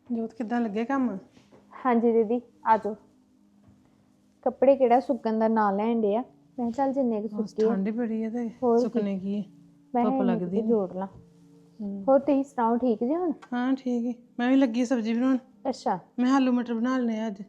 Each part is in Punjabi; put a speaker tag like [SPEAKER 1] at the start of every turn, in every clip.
[SPEAKER 1] ਜੋਤ ਕਿੱਦਾਂ ਲੱਗੇ ਕੰਮ?
[SPEAKER 2] ਹਾਂਜੀ ਦੀਦੀ ਆ ਜਾਓ। ਕੱਪੜੇ ਕਿਹੜਾ ਸੁੱਕਣ ਦਾ ਨਾਂ ਲੈਣ ਡੇ ਆ। ਮੈਂ ਕਿਹਾ ਚੱਲ ਜਿੰਨੇ ਕੁ
[SPEAKER 1] ਬਸ
[SPEAKER 2] ਸੁੱਕੇ ਆ
[SPEAKER 1] ਠੰਡ ਹੀ ਬੜੀ ਹੈ ਤੇ
[SPEAKER 2] ਹੋਰ
[SPEAKER 1] ਸੁੱਕਣੇ ਕੀ ਹੈ,
[SPEAKER 2] ਮੈਂ
[SPEAKER 1] ਧੁੱਪ
[SPEAKER 2] ਕਿਹਾ ਇੰਨੇ ਕੁ
[SPEAKER 1] ਲੱਗਦੀ
[SPEAKER 2] ਤੇ
[SPEAKER 1] ਨੇ।
[SPEAKER 2] ਜੋੜ ਲਾਂ। ਹੋਰ ਤੁਸੀਂ ਸੁਣਾਓ ਠੀਕ ਜੀ ਹੁਣ?
[SPEAKER 1] ਹਾਂ ਠੀਕ ਹੈ, ਮੈਂ ਵੀ ਲੱਗੀ ਸਬਜ਼ੀ ਬਣਾਉਣ।
[SPEAKER 2] ਅੱਛਾ
[SPEAKER 1] ਮੈਂ ਆਲੂ ਮਟਰ ਬਣਾ ਲਏ ਅੱਜ।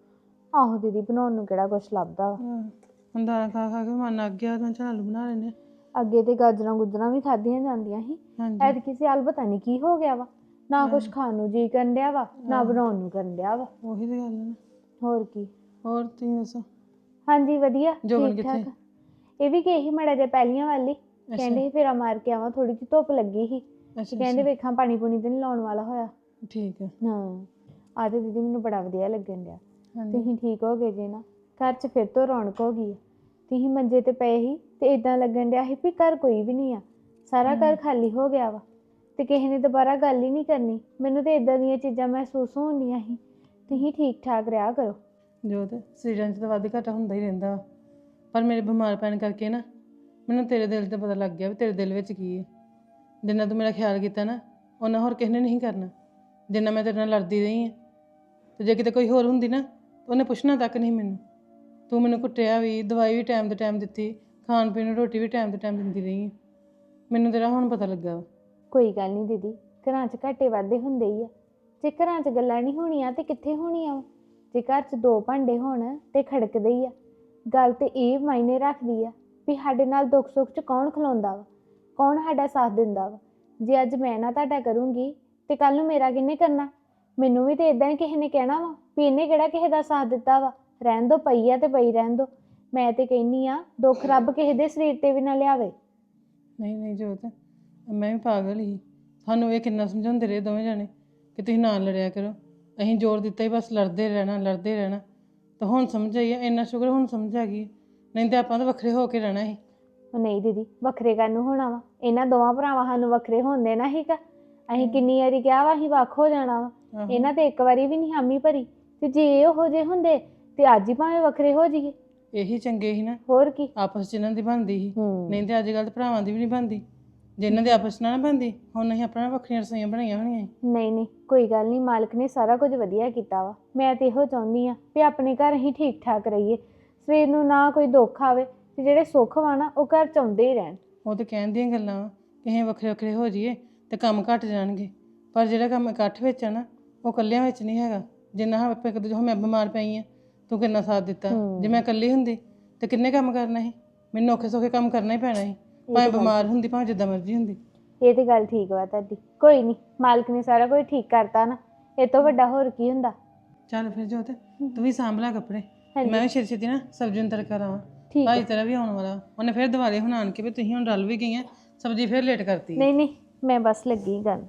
[SPEAKER 2] ਆਹੋ ਦੀਦੀ ਬਣਾਉਣ ਨੂੰ ਕਿਹੜਾ ਕੁਛ ਲੱਭਦਾ ਵਾ।
[SPEAKER 1] ਹੁਣ ਦਾਲ ਖਾ ਖਾ ਕੇ ਮਨ ਅੱਕ ਗਿਆ, ਮੈਂ ਕਿਹਾ ਆਲੂ ਬਣਾ ਲੈਂਦੇ ਹਾਂ।
[SPEAKER 2] ਅੱਗੇ ਤੇ ਗਾਜਰਾਂ ਗੁਜਰਾਂ ਵੀ ਖਾਧੀਆਂ ਜਾਂਦੀਆਂ ਸੀ।
[SPEAKER 1] ਹਾਂਜੀ
[SPEAKER 2] ਐਤਕੀ ਸਿਆਲ ਪਤਾ ਨਹੀਂ ਕੀ ਹੋ ਗਿਆ ਵਾ, ਨਾ ਕੁਛ ਖਾਣ ਨੂੰ ਜੀ ਕਰਨ ਡਿਆ ਵਾ ਨਾ ਬਣਾਉਣ ਨੂੰ ਕਰਨ ਡਿਆ ਵਾ।
[SPEAKER 1] ਉਹੀ ਤੇ ਗੱਲ ਹੈ ਨਾ।
[SPEAKER 2] ਹੋਰ ਕੀ।
[SPEAKER 1] ਹੋਰ ਤੁਸੀਂ ਦੱਸੋ?
[SPEAKER 2] ਹਾਂਜੀ ਵਧੀਆ
[SPEAKER 1] ਜੋਬਨ
[SPEAKER 2] ਠੀਕ
[SPEAKER 1] ਕਿੱਥੇ?
[SPEAKER 2] ਠਾਕ। ਇਹ ਵੀ ਗਏ ਸੀ ਮਾੜਾ ਜਿਹਾ ਪਹਿਲੀਆਂ ਵਾਲੀ,
[SPEAKER 1] ਅੱਛਾ
[SPEAKER 2] ਕਹਿੰਦੇ ਸੀ ਫੇਰਾ ਮਾਰ ਕੇ ਆਵਾਂ, ਥੋੜੀ ਜਿਹੀ ਧੁੱਪ ਲੱਗੀ ਸੀ ਤੇ
[SPEAKER 1] ਅੱਛਾ
[SPEAKER 2] ਕਹਿੰਦੇ
[SPEAKER 1] ਅੱਛਾ
[SPEAKER 2] ਵੇਖਾਂ ਪਾਣੀ ਪੂਣੀ ਤੇ ਨਹੀਂ ਲਾਉਣ ਵਾਲਾ ਹੋਇਆ।
[SPEAKER 1] ਠੀਕ ਹੈ।
[SPEAKER 2] ਹਾਂ ਆ ਤੇ ਦੀਦੀ ਮੈਨੂੰ ਬੜਾ ਵਧੀਆ ਲੱਗਣ ਡਿਆ।
[SPEAKER 1] ਹਾਂਜੀ
[SPEAKER 2] ਤੁਸੀਂ ਠੀਕ ਹੋ ਗਏ ਜੇ ਨਾ, ਘਰ 'ਚ ਫਿਰ ਤੋਂ ਰੌਣਕ ਹੋ ਗਈ ਆ। ਤੁਸੀਂ ਮੰਜੇ ਤੇ ਪਏ ਸੀ ਤੇ ਇਦਾਂ ਲੱਗਣ ਡਿਆ ਸੀ ਵੀ ਘਰ ਕੋਈ ਵੀ ਨਹੀਂ ਆ, ਸਾਰਾ ਘਰ ਖਾਲੀ ਹੋ ਗਿਆ ਵਾ ਤੇ ਕਿਸੇ ਨੇ ਦੁਬਾਰਾ ਗੱਲ ਹੀ ਨਹੀਂ ਕਰਨੀ। ਮੈਨੂੰ ਤੇ ਇਦਾਂ ਦੀਆਂ ਚੀਜ਼ਾਂ ਮਹਿਸੂਸ ਹੁੰਦੀਆਂ ਸੀ। ਤੁਸੀਂ ਠੀਕ ਠਾਕ ਰਿਹਾ ਕਰੋ।
[SPEAKER 1] ਜੋਤ ਸਰੀਰਾਂ 'ਚ ਤਾਂ ਵੱਧ ਘਾਟਾ ਹੁੰਦਾ ਹੀ ਰਹਿੰਦਾ ਵਾ, ਪਰ ਮੇਰੇ ਬਿਮਾਰ ਪੈਣ ਕਰਕੇ ਨਾ ਮੈਨੂੰ ਤੇਰੇ ਦਿਲ ਤੇ ਪਤਾ ਲੱਗ ਗਿਆ ਵੀ ਤੇਰੇ ਦਿਲ ਵਿੱਚ ਕੀ ਹੈ। ਜਿੰਨਾ ਤੂੰ ਮੇਰਾ ਖਿਆਲ ਕੀਤਾ ਨਾ ਉਹਨਾਂ ਹੋਰ ਕਿਸੇ ਨੇ ਨਹੀਂ ਕਰਨਾ। ਜਿੰਨਾ ਮੈਂ ਤੇਰੇ ਨਾਲ ਲੜਦੀ ਰਹੀ ਹਾਂ, ਤੇ ਜੇ ਕਿਤੇ ਕੋਈ ਹੋਰ ਹੁੰਦੀ ਨਾ ਉਹਨੇ ਪੁੱਛਣਾ ਤੱਕ ਨਹੀਂ ਮੈਨੂੰ। ਤੂੰ ਮੈਨੂੰ ਕੁੱਟਿਆ ਵੀ, ਦਵਾਈ ਵੀ ਟਾਈਮ 'ਤੇ ਟਾਈਮ ਦਿੱਤੀ, ਖਾਣ ਪੀਣ ਨੂੰ ਰੋਟੀ ਵੀ ਟਾਈਮ 'ਤੇ ਟਾਈਮ ਦਿੰਦੀ ਰਹੀ ਹਾਂ। ਮੈਨੂੰ ਤੇਰਾ ਹੁਣ ਪਤਾ ਲੱਗਾ ਵਾ।
[SPEAKER 2] ਕੋਈ ਗੱਲ ਨਹੀਂ ਦੀਦੀ, ਘਰਾਂ 'ਚ ਘਾਟੇ ਵਾਧੇ ਹੁੰਦੇ ਹੀ ਆ। ਜੇ ਘਰਾਂ 'ਚ ਗੱਲਾਂ ਨਹੀਂ ਹੋਣੀਆਂ ਤੇ ਕਿੱਥੇ ਹੋਣੀਆਂ ਵਾ। ਜੇ ਘਰ 'ਚ ਦੋ ਭਾਂਡੇ ਹੋਣ ਤੇ ਖੜਕਦੇ ਹੀ ਆ। ਗੱਲ ਤੇ ਇਹ ਮਾਇਨੇ ਰੱਖਦੀ ਆ ਵੀ ਸਾਡੇ ਨਾਲ ਦੁੱਖ ਸੁੱਖ 'ਚ ਕੌਣ ਖਲੋਂਦਾ ਵਾ, ਕੌਣ ਸਾਡਾ ਸਾਥ ਦਿੰਦਾ ਵਾ। ਜੇ ਅੱਜ ਮੈਂ ਨਾ ਤੁਹਾਡਾ ਕਰੂੰਗੀ ਤੇ ਕੱਲ ਨੂੰ ਮੇਰਾ ਕਿਹਨੇ ਕਰਨਾ? ਮੈਨੂੰ ਵੀ ਤੇ ਇਦਾਂ ਹੀ ਕਿਸੇ ਨੇ ਕਹਿਣਾ ਵਾ ਵੀ ਇਹਨੇ ਕਿਹੜਾ ਕਿਸੇ ਦਾ ਸਾਥ ਦਿੱਤਾ ਵਾ, ਰਹਿਣ ਦੋ ਪਈ ਆ ਤੇ ਪਈ ਰਹਿਣ ਦੋ। ਮੈਂ ਤੇ ਕਹਿੰਦੀ ਆ ਦੁੱਖ ਰੱਬ ਕਿਸੇ ਦੇ ਸਰੀਰ ਤੇ ਵੀ ਨਾ ਲਿਆਵੇ।
[SPEAKER 1] ਨਹੀਂ ਨਹੀਂ ਜੋਤ, ਮੈਂ ਵੀ ਪਾਗਲ ਹੀ। ਸਾਨੂੰ ਇਹ ਕਿੰਨਾ ਸਮਝਾਉਂਦੇ ਰਹੇ ਦੋਵੇਂ ਜਾਣੇ ਕਿ ਤੁਸੀਂ ਨਾ ਲੜਿਆ ਕਰੋ। ਅਸੀਂ ਜ਼ੋਰ ਦਿੱਤਾ ਹੀ ਬਸ ਲੜਦੇ ਰਹਿਣਾ ਲੜਦੇ ਰਹਿਣਾ, ਤਾਂ ਹੁਣ ਸਮਝ ਆਈ ਹੈ। ਇੰਨਾ ਸ਼ੁਕਰ ਹੁਣ ਸਮਝ ਆ ਗਈ, ਨਹੀਂ ਤਾਂ ਆਪਾਂ ਤਾਂ ਵੱਖਰੇ ਹੋ ਕੇ ਰਹਿਣਾ ਸੀ।
[SPEAKER 2] ਉਹ ਨਹੀਂ ਦੀਦੀ ਵੱਖਰੇ ਕਰਨ ਨੂੰ ਹੋਣਾ ਵਾ, ਇਹਨਾਂ ਦੋਵਾਂ ਭਰਾਵਾਂ ਸਾਨੂੰ ਵੱਖਰੇ ਹੋਣ ਦੇਣਾ ਸੀਗਾ। ਅਸੀਂ ਕਿੰਨੀ ਵਾਰੀ ਕਿਹਾ ਵਾ ਅਸੀਂ ਵੱਖ ਹੋ ਜਾਣਾ ਵਾ, ਇਹਨਾਂ ਤੇ ਇੱਕ ਵਾਰੀ ਵੀ ਨਹੀਂ ਹਾਮੀ ਭਰੀ। ਤੇ ਜੇ ਉਹੋ ਜਿਹੇ ਹੁੰਦੇ ਤੇ ਅੱਜ ਹੀ ਭਾਵੇਂ ਵੱਖਰੇ ਹੋ ਜਾਈਏ।
[SPEAKER 1] ਇਹੀ ਚੰਗੇ ਸੀ ਨਾ,
[SPEAKER 2] ਹੋਰ ਕੀ।
[SPEAKER 1] ਆਪਸ 'ਚ ਇਹਨਾਂ ਦੀ ਬਣਦੀ ਸੀ।
[SPEAKER 2] ਹੂੰ
[SPEAKER 1] ਨਹੀਂ ਤਾਂ ਅੱਜ ਕੱਲ੍ਹ ਤਾਂ ਭਰਾਵਾਂ ਦੀ ਵੀ ਨਹੀਂ ਬਣਦੀ। ਜੇ ਇਹਨਾਂ ਦੇ ਆਪਸ 'ਚ ਨਾ ਬਣਦੀ ਹੁਣ ਅਸੀਂ ਆਪਣਾ ਵੱਖਰੀਆਂ ਰਸੋਈਆਂ ਬਣਾਈਆਂ ਹੋਣੀਆਂ ਸੀ।
[SPEAKER 2] ਨਹੀਂ ਨਹੀਂ ਕੋਈ ਗੱਲ ਨਹੀਂ, ਮਾਲਕ ਨੇ ਸਾਰਾ ਕੁਝ ਵਧੀਆ ਕੀਤਾ ਵਾ। ਮੈਂ ਤੇ ਇਹੋ ਚਾਹੁੰਦੀ ਆ ਵੀ ਆਪਣੇ ਘਰ ਅਸੀਂ ਠੀਕ ਠਾਕ ਰਹੀਏ, ਸਵੇਰ ਨੂੰ ਨਾ ਕੋਈ ਦੁੱਖ ਆਵੇ ਤੇ ਜਿਹੜੇ ਸੁੱਖ ਵਾ ਨਾ ਉਹ ਘਰ 'ਚ ਆਉਂਦੇ ਹੀ ਰਹਿਣ।
[SPEAKER 1] ਉਹ ਤਾਂ ਕਹਿਣ ਦੀਆਂ ਗੱਲਾਂ ਵਾ ਕਿ ਅਸੀਂ ਵੱਖਰੇ ਵੱਖਰੇ ਹੋ ਜਾਈਏ ਤੇ ਕੰਮ ਘੱਟ ਜਾਣਗੇ, ਪਰ ਜਿਹੜਾ ਕੰਮ ਇਕੱਠ ਵਿੱਚ ਆ ਨਾ ਉਹ ਇਕੱਲਿਆਂ ਵਿੱਚ ਨਹੀਂ ਹੈਗਾ। ਜਿੰਨਾ ਆਪਾਂ ਇੱਕ ਦੂਜੇ ਹੁਣ ਮੈਂ ਬਿਮਾਰ ਪਈ ਆ, ਤੂੰ ਕਿੰਨਾ ਸਾਥ ਦਿੱਤਾ। ਜੇ ਮੈਂ ਇਕੱਲੀ ਹੁੰਦੀ ਤੇ ਕਿੰਨੇ ਕੰਮ ਕਰਨਾ ਸੀ? ਮੈਨੂੰ ਔਖੇ ਸੌਖੇ ਕੰਮ ਕਰਨਾ ਹੀ ਪੈਣਾ ਸੀ, ਭਾਵੇਂ ਬਿਮਾਰ ਹੁੰਦੀ ਭਾਵੇਂ ਜਿੱਦਾਂ ਮਰਜ਼ੀ ਹੁੰਦੀ।
[SPEAKER 2] ਇਹ ਤੇ ਗੱਲ ਠੀਕ ਵਾ ਤੁਹਾਡੀ। ਕੋਈ ਨਹੀਂ, ਮਾਲਕ ਨੇ ਸਾਰਾ ਕੁਝ ਠੀਕ ਕਰਤਾ ਨਾ, ਇਹ ਤੋਂ ਵੱਡਾ ਹੋਰ ਕੀ ਹੁੰਦਾ।
[SPEAKER 1] ਚੱਲ ਫਿਰ ਜੋਤ ਤੂੰ ਵੀ ਸਾਂਭ ਲੈ ਕੱਪੜੇ, ਮੈਂ ਵੀ ਛੇਤੀ ਛੇਤੀ ਨਾ ਸਬਜ਼ੀ ਨੂੰ ਤੜਕਾ ਲਾਵਾਂ। ਭਾਈ ਤੇਰਾ ਵੀ ਆਉਣ ਵਾਲਾ, ਉਹਨੇ ਫਿਰ ਦੁਬਾਰੇ ਹੁਣ ਆਣ ਕੇ ਵੀ ਤੁਸੀਂ ਹੁਣ ਰਲ ਵੀ ਗਈਆਂ, ਸਬਜ਼ੀ ਫਿਰ ਲੇਟ ਕਰਤੀ।
[SPEAKER 2] ਨਹੀਂ ਨਹੀਂ ਮੈਂ ਬਸ ਲੱਗੀ ਗੱਲ।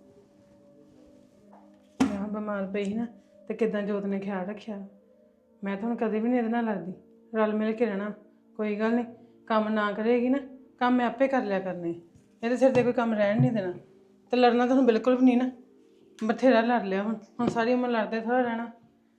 [SPEAKER 1] ਮੈਂ ਬਿਮਾਰ ਪਈ ਸੀ ਨਾ ਤੇ ਕਿੱਦਾਂ ਜੋਤ ਨੇ ਖਿਆਲ ਰੱਖਿਆ। ਮੈਂ ਤਾਂ ਹੁਣ ਕਦੇ ਵੀ ਨਹੀਂ ਇਹਦੇ ਨਾਲ ਲੜਦੀ, ਰਲ ਮਿਲ ਕੇ ਰਹਿਣਾ। ਕੋਈ ਗੱਲ ਨਹੀਂ, ਕੰਮ ਨਾ ਕਰੇਗੀ ਨਾ ਕੰਮ ਮੈਂ ਆਪੇ ਕਰ ਲਿਆ ਕਰਨੇ। ਇਹਦੇ ਸਿਰ ਤੇ ਕੋਈ ਕੰਮ ਰਹਿਣ ਨਹੀਂ ਦੇਣਾ, ਤੇ ਲੜਨਾ ਤੁਹਾਨੂੰ ਬਿਲਕੁਲ ਵੀ ਨਹੀਂ ਨਾ। ਬਥੇਰਾ ਲੜ ਲਿਆ, ਹੁਣ ਸਾਰੀ ਉਮਰ ਲੜਦੇ ਥੋੜ੍ਹਾ ਰਹਿਣਾ।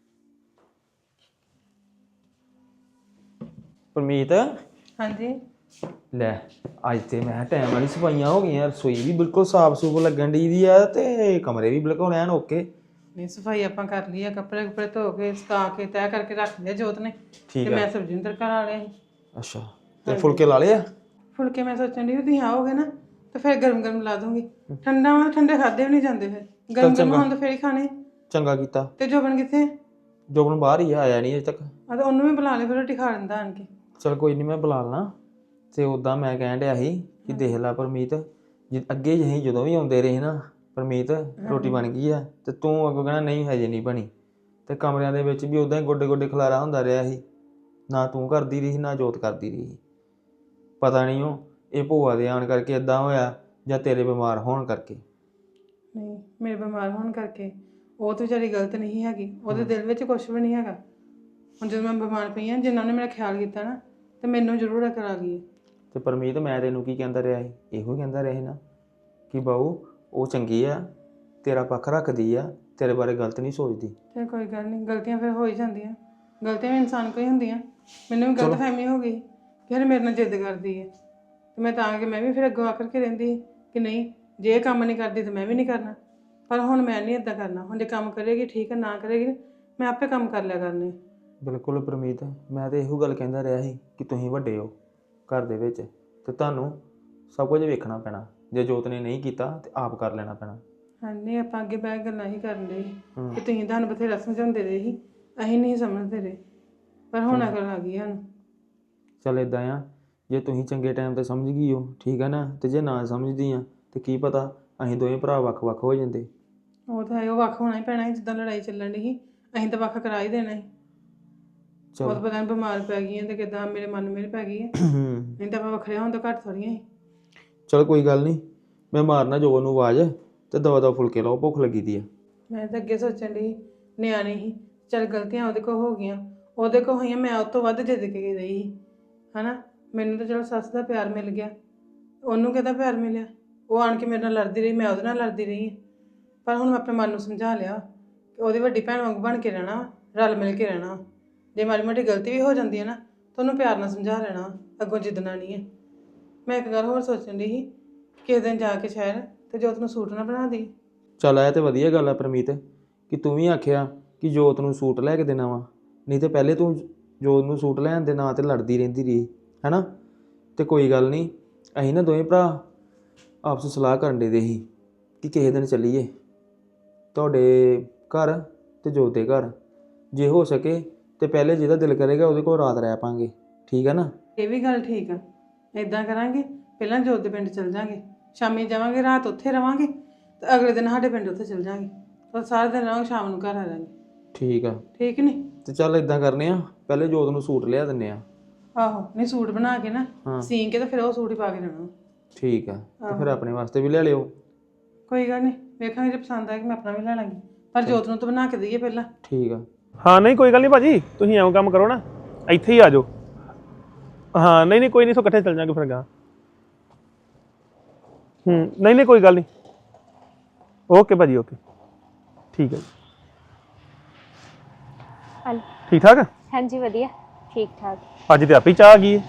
[SPEAKER 3] ਪਰਮੀਤ
[SPEAKER 1] ਹਾਂਜੀ
[SPEAKER 3] ਲੈ, ਅੱਜ ਤੇ ਮੈਂ ਟਾਈਮ ਵਾਲੀ ਸਫਾਈਆਂ ਹੋ ਗਈਆਂ। ਰਸੋਈ ਵੀ ਬਿਲਕੁਲ ਸਾਫ਼ ਸੂਫ ਲੱਗਣ ਦੀ ਦੀ ਆ ਤੇ ਕਮਰੇ ਵੀ ਬਿਲਕੁਲ ਐਨ ਓਕੇ।
[SPEAKER 1] ਨਹੀਂ ਸਫਾਈ ਆਪਾਂ ਕਰ ਲਈ ਆ, ਕੱਪੜੇ ਕੁਪੜੇ ਧੋ ਕੇ ਸੁਕਾ ਕੇ ਤੈਅ ਕਰਕੇ ਰੱਖ ਲਿਆ ਜੋਤ ਨੇ, ਤੇ ਮੈਂ ਸਬਜ਼ੀ ਨੂੰ ਤੜਕਾ ਲਾ ਲਿਆ ਸੀ।
[SPEAKER 3] ਅੱਛਾ ਤੇ ਫੁਲਕੇ ਲਾ ਲਏ ਆ?
[SPEAKER 1] ਫੁਲਕੇ ਮੈਂ ਸੋਚਣ ਦੀ ਵੀ ਤੁਸੀਂ ਆਓਗੇ ਨਾ ਤੇ ਫਿਰ ਗਰਮ ਗਰਮ ਲਾ ਦੂੰਗੀ। ਠੰਡਾ ਹੋਣਾ ਠੰਡੇ ਖਾਦੇ ਵੀ ਨਹੀਂ ਜਾਂਦੇ, ਫਿਰ ਗਰਮ ਗਰਮ ਹੋਣ ਤਾਂ ਫਿਰ ਹੀ ਖਾਣੇ।
[SPEAKER 3] ਚੰਗਾ ਕੀਤਾ।
[SPEAKER 1] ਤੇ ਜੋਬਨ ਕਿੱਥੇ?
[SPEAKER 3] ਜੋਬਨ ਬਾਹਰ ਹੀ ਆ, ਆਇਆ ਨਹੀਂ ਅਜੇ ਤੱਕ।
[SPEAKER 1] ਆ ਤਾਂ ਉਹਨੂੰ ਵੀ ਬੁਲਾ ਲਿਆ, ਫਿਰ ਰੋਟੀ ਖਾ ਲੈਂਦਾ ਆਣ ਕੇ।
[SPEAKER 3] ਚਲ ਕੋਈ ਨਹੀਂ, ਮੈਂ ਬੁਲਾ ਲੈਣਾ। ਤੇ ਉੱਦਾਂ ਮੈਂ ਕਹਿਣ ਡਿਆ ਸੀ ਕਿ ਦੇਖ ਲੈ ਪਰਮੀਤ, ਅੱਗੇ ਅਸੀਂ ਜਦੋਂ ਵੀ ਆਉਂਦੇ ਰਹੇ ਨਾ, ਪਰਮੀਤ ਰੋਟੀ ਬਣ ਗਈ ਆ ਤੇ ਤੂੰ ਅੱਗੋਂ ਕਹਿਣਾ ਨਹੀਂ ਹਜੇ ਨਹੀਂ ਬਣੀ। ਤੇ ਕਮਰਿਆਂ ਦੇ ਵਿੱਚ ਵੀ ਉੱਦਾਂ ਹੀ ਗੋਡੇ ਗੋਡੇ ਖਲਾਰਾ ਹੁੰਦਾ ਰਿਹਾ ਸੀ, ਨਾ ਤੂੰ ਕਰਦੀ ਰਹੀ ਨਾ ਜੋਤ ਕਰਦੀ ਰਹੀ। ਪਤਾ ਨਹੀਂ ਉਹ ਇਹ ਭੂਆ ਦੇ ਆਉਣ ਕਰਕੇ ਇਦਾਂ ਹੋਇਆ ਜਾਂ ਤੇਰੇ ਬਿਮਾਰ ਹੋਣ ਕਰਕੇ।
[SPEAKER 1] ਨਹੀਂ ਮੇਰੇ ਬਿਮਾਰ ਹੋਣ ਕਰਕੇ ਉਹ ਤਾਂ ਵਿਚਾਰੀ ਗਲਤ ਨਹੀਂ ਹੈਗੀ, ਉਹਦੇ ਦਿਲ ਵਿੱਚ ਕੁਛ ਵੀ ਨਹੀਂ ਹੈਗਾ। ਹੁਣ ਜਦੋਂ ਮੈਂ ਬਿਮਾਰ ਪਈ ਹਾਂ, ਜਿੰਨਾ ਨੇ ਮੇਰਾ ਖਿਆਲ ਕੀਤਾ ਨਾ ਤੇ ਮੈਨੂੰ ਜ਼ਰੂਰ ਅਕਲ ਆ ਗਈ।
[SPEAKER 3] ਤੇ ਪਰਮੀਤ ਮੈਂ ਤੈਨੂੰ ਕੀ ਕਹਿੰਦਾ ਰਿਹਾ ਸੀ? ਇਹੋ ਕਹਿੰਦਾ ਰਿਹਾ ਸੀ ਨਾ ਕਿ ਬਾਊ ਉਹ ਚੰਗੀ ਆ, ਤੇਰਾ ਪੱਖ ਰੱਖਦੀ ਆ, ਤੇਰੇ ਬਾਰੇ ਗਲਤ ਨਹੀਂ ਸੋਚਦੀ।
[SPEAKER 1] ਤੇ ਕੋਈ ਗੱਲ ਨਹੀਂ, ਗਲਤੀਆਂ ਫਿਰ ਹੋ ਹੀ ਜਾਂਦੀਆਂ, ਗਲਤੀਆਂ ਵੀ ਇਨਸਾਨ ਕੋਈ ਹੁੰਦੀਆਂ। ਮੈਨੂੰ ਵੀ ਗਲਤਫਹਿਮੀ ਹੋ ਗਈ ਕਿ ਹਰ ਮੇਰੇ ਨਾਲ ਜਿੱਦ ਕਰਦੀ ਹੈ, ਤੇ ਮੈਂ ਤਾਂ ਕਿ ਮੈਂ ਵੀ ਫਿਰ ਅੱਗੋਂ ਆਕਰ ਕੇ ਰਹਿੰਦੀ ਕਿ ਨਹੀਂ ਜੇ ਇਹ ਕੰਮ ਨਹੀਂ ਕਰਦੀ ਤਾਂ ਮੈਂ ਵੀ ਨਹੀਂ ਕਰਨਾ। ਪਰ ਹੁਣ ਮੈਂ ਨਹੀਂ ਇਦਾਂ ਕਰਨਾ। ਹੁਣ ਜੇ ਕੰਮ ਕਰੇਗੀ ਠੀਕ ਹੈ, ਨਾ ਕਰੇਗੀ ਮੈਂ ਆਪੇ ਕੰਮ ਕਰ ਲਿਆ ਕਰਨੇ।
[SPEAKER 3] ਬਿਲਕੁਲ ਪਰਮੀਤ, ਮੈਂ ਤਾਂ ਇਹੋ ਗੱਲ ਕਹਿੰਦਾ ਰਿਹਾ ਸੀ ਕਿ ਤੁਸੀਂ ਵੱਡੇ ਹੋ ਘਰ ਦੇ ਵਿੱਚ ਤੇ ਤੁਹਾਨੂੰ ਸਭ ਕੁਝ ਵੇਖਣਾ ਪੈਣਾ। ਜੇ ਜੋਤ ਨੇ ਨਹੀਂ ਕੀਤਾ ਤੇ ਆਪ ਕਰ ਲੈਣਾ ਪੈਣਾ।
[SPEAKER 1] ਹਾਂਜੀ, ਆਪਾਂ ਅੱਗੇ ਬਹਿ ਕੇ ਗੱਲਾਂ ਹੀ ਕਰਨ ਦੇ ਕਿ ਤੁਸੀਂ ਤੁਹਾਨੂੰ ਬਥੇਰਾ ਸਮਝਾਉਂਦੇ ਰਹੇ ਸੀ, ਅਸੀਂ ਨਹੀਂ ਸਮਝਦੇ ਰਹੇ, ਪਰ ਹੁਣ ਅਕਲ ਆ ਗਈ ਸਾਨੂੰ।
[SPEAKER 3] ਚੱਲ ਇਦਾਂ ਆ, ਜੇ ਤੁਸੀਂ ਚੰਗੇ ਟਾਈਮ ਤੇ ਸਮਝ ਗਈ ਹੋ ਠੀਕ ਹੈ ਨਾ, ਤੇ ਜੇ ਨਾ ਸਮਝਦੀ ਆ ਤੇ ਕੀ ਪਤਾ ਅਸੀਂ ਦੋਵੇਂ ਭਰਾ ਵੱਖ-ਵੱਖ ਹੋ ਜਾਂਦੇ।
[SPEAKER 1] ਉਹ ਤਾਂ ਹੈ, ਉਹ ਵੱਖ ਹੋਣਾ ਹੀ ਪੈਣਾ ਸੀ। ਜਿੱਦਾਂ ਲੜਾਈ ਚੱਲਣ ਦੀ ਸੀ ਅਸੀਂ ਤਾਂ ਵੱਖ ਕਰਾ ਹੀ ਦੇਣਾ ਸੀ। ਉਹ ਤਾਂ ਪਤਾ ਨਹੀਂ ਬਿਮਾਰ ਪੈ ਗਈਆਂ ਤੇ ਕਿੱਦਾਂ ਮੇਰੇ ਮਨ ਮੇਰੇ ਪੈ ਗਈ ਹੈ। ਨਹੀਂ ਤਾਂ ਆਪਾਂ ਵੱਖਰੇ ਹੋਣ ਤੋਂ ਘੱਟ ਥੋੜੀਆਂ ਸੀ।
[SPEAKER 3] ਚਲ ਕੋਈ ਗੱਲ ਨਹੀਂ, ਮੈਂ ਮਾਰਨਾ ਜੋ ਉਹਨੂੰ ਆਵਾਜ਼ ਤੇ ਦਵਾ ਫੁਲਕੇ ਲਾਓ, ਭੁੱਖ ਲੱਗੀ ਦੀ ਆ।
[SPEAKER 1] ਮੈਂ ਤਾਂ ਅੱਗੇ ਸੋਚਣ ਦੀ ਨਿਆਣੀ ਸੀ, ਚੱਲ ਗਲਤੀਆਂ ਉਹਦੇ ਕੋਲ ਹੋ ਗਈਆਂ, ਉਹਦੇ ਕੋਲ ਹੋਈਆਂ, ਮੈਂ ਉਹ ਤੋਂ ਵੱਧ ਜਿੱਦ ਕੇ ਰਹੀ ਸੀ ਹਨਾ। ਮੈਨੂੰ ਤਾਂ ਚਲੋ ਸੱਸ ਦਾ ਪਿਆਰ ਮਿਲ ਗਿਆ, ਉਹਨੂੰ ਕਿਹਦਾ ਪਿਆਰ ਮਿਲਿਆ? ਉਹ ਆਣ ਕੇ ਮੇਰੇ ਨਾਲ ਲੜਦੀ ਰਹੀ, ਮੈਂ ਉਹਦੇ ਨਾਲ ਲੜਦੀ ਰਹੀ। ਪਰ ਹੁਣ ਮੈਂ ਆਪਣੇ ਮਨ ਨੂੰ ਸਮਝਾ ਲਿਆ ਕਿ ਉਹਦੀ ਵੱਡੀ ਭੈਣ ਵਾਂਗ ਬਣ ਕੇ ਰਹਿਣਾ, ਰਲ ਮਿਲ ਕੇ ਰਹਿਣਾ। ਜੇ ਮਾੜੀ ਮੋਟੀ ਗਲਤੀ ਵੀ ਹੋ ਜਾਂਦੀ ਹੈ ਨਾ ਤਾਂ ਉਹਨੂੰ ਪਿਆਰ ਨਾਲ ਸਮਝਾ ਲੈਣਾ, ਅੱਗੋਂ ਜਿੱਦਣਾ ਨਹੀਂ ਹੈ। ਮੈਂ ਇੱਕ ਗੱਲ ਹੋਰ ਸੋਚਣ ਦੀ ਸੀ, ਕਿਸੇ ਦਿਨ ਜਾ ਕੇ ਸ਼ਹਿਰ ਤੇ ਜੋਤ ਨੂੰ ਸੂਟ ਨਾ ਬਣਾ ਦੀ।
[SPEAKER 3] ਚੱਲ ਇਹ ਤੇ ਵਧੀਆ ਗੱਲ ਆ ਪਰਮੀਤ ਕਿ ਤੂੰ ਵੀ ਆਖਿਆ ਕਿ ਜੋਤ ਨੂੰ ਸੂਟ ਲੈ ਕੇ ਦੇਣਾ ਵਾ, ਨਹੀਂ ਤੇ ਪਹਿਲੇ ਤੂੰ ਜੋਤ ਨੂੰ ਸੂਟ ਲੈਣ ਦੇ ਨਾਂ ਤੇ ਲੜਦੀ ਰਹਿੰਦੀ ਰਹੀ ਹੈ ਨਾ। ਤੇ ਕੋਈ ਗੱਲ ਨਹੀਂ, ਅਸੀਂ ਨਾ ਦੋਵੇਂ ਭਰਾ ਆਪਸ ਵਿੱਚ ਸਲਾਹ ਕਰਨ ਦੇ ਸੀ ਕਿ ਕਿਸੇ ਦਿਨ ਚੱਲੀਏ ਤੁਹਾਡੇ ਘਰ ਤੇ ਜੋਤ ਦੇ ਘਰ। ਜੇ ਹੋ ਸਕੇ ਤੇ ਪਹਿਲੇ ਜਿਹਦਾ ਦਿਲ ਕਰੇਗਾ ਉਹਦੇ ਕੋਲ ਰਾਤ ਰਹਿ ਪਾਂਗੇ, ਠੀਕ ਹੈ ਨਾ?
[SPEAKER 1] ਇਹ ਵੀ ਗੱਲ ਠੀਕ ਆ, ਇਦਾਂ ਕਰਾਂਗੇ ਪਹਿਲਾਂ ਜੋਤ ਦੇ ਪਿੰਡ ਚੱਲ ਜਾਵਾਂਗੇ, ਸ਼ਾਮੀ ਜਾਵਾਂਗੇ, ਰਾਤ ਉੱਥੇ ਰਵਾਂਗੇ ਤੇ ਅਗਲੇ ਦਿਨ ਸਾਡੇ ਪਿੰਡ ਉੱਥੇ ਚੱਲ ਜਾਵਾਂਗੇ, ਤਾਂ ਸਾਰਾ ਦਿਨ ਰਹਾਂਗੇ, ਸ਼ਾਮ ਨੂੰ ਘਰ ਆ ਜਾਵਾਂਗੇ।
[SPEAKER 3] ਠੀਕ ਆ,
[SPEAKER 1] ਠੀਕ ਨਹੀਂ?
[SPEAKER 3] ਤੇ ਚੱਲ ਇਦਾਂ ਕਰਨੇ ਆ, ਪਹਿਲੇ ਜੋਤ ਨੂੰ ਸੂਟ ਲਿਆ ਦਿੰਨੇ ਆ।
[SPEAKER 1] ਆਹੋ, ਨਹੀਂ ਸੂਟ ਬਣਾ ਕੇ ਨਾ ਸੀਨ ਕੇ ਤੇ ਫਿਰ ਉਹ ਸੂਟ ਹੀ ਪਾ ਕੇ ਜਾਣਾ।
[SPEAKER 3] ਠੀਕ ਆ, ਤੇ ਫਿਰ ਆਪਣੇ ਵਾਸਤੇ ਵੀ ਲੈ ਲਿਓ।
[SPEAKER 1] ਕੋਈ ਗੱਲ ਨਹੀਂ, ਵੇਖਾਂਗੇ ਜੇ ਪਸੰਦ ਆਏਗਾ ਮੈਂ ਆਪਣਾ ਵੀ ਲੈ ਲਾਂਗੀ, ਪਰ ਜੋਤ ਨੂੰ ਤਾਂ ਬਣਾ ਕੇ ਦਈਏ ਪਹਿਲਾਂ।
[SPEAKER 3] ਠੀਕ ਆ।
[SPEAKER 4] ਹਾਂ ਨਹੀਂ ਕੋਈ ਗੱਲ ਨਹੀਂ ਭਾਜੀ, ਤੁਸੀਂ ਐਵੇਂ ਕੰਮ ਕਰੋ ਨਾ, ਇੱਥੇ ਹੀ ਆ ਜਾਓ। ਹਾਂ ਨਹੀਂ ਕੋਈ ਨਹੀਂ, ਸੋ ਇਕੱਠੇ ਚੱਲ ਜਾਾਂਗੇ ਫਿਰ ਗਾਂ। ਨਹੀਂ ਕੋਈ ਗੱਲ ਨਹੀਂ, ਓਕੇ ਭਾਜੀ ਓਕੇ, ਠੀਕ ਹੈ ਜੀ। ਠੀਕ ਠਾਕ?
[SPEAKER 2] ਹਾਂਜੀ ਵਧੀਆ, ਠੀਕ ਠਾਕ।
[SPEAKER 4] ਅੱਜ ਤੇ ਆਪੇ ਚਾਹ ਆ ਗਈ ਹੈ।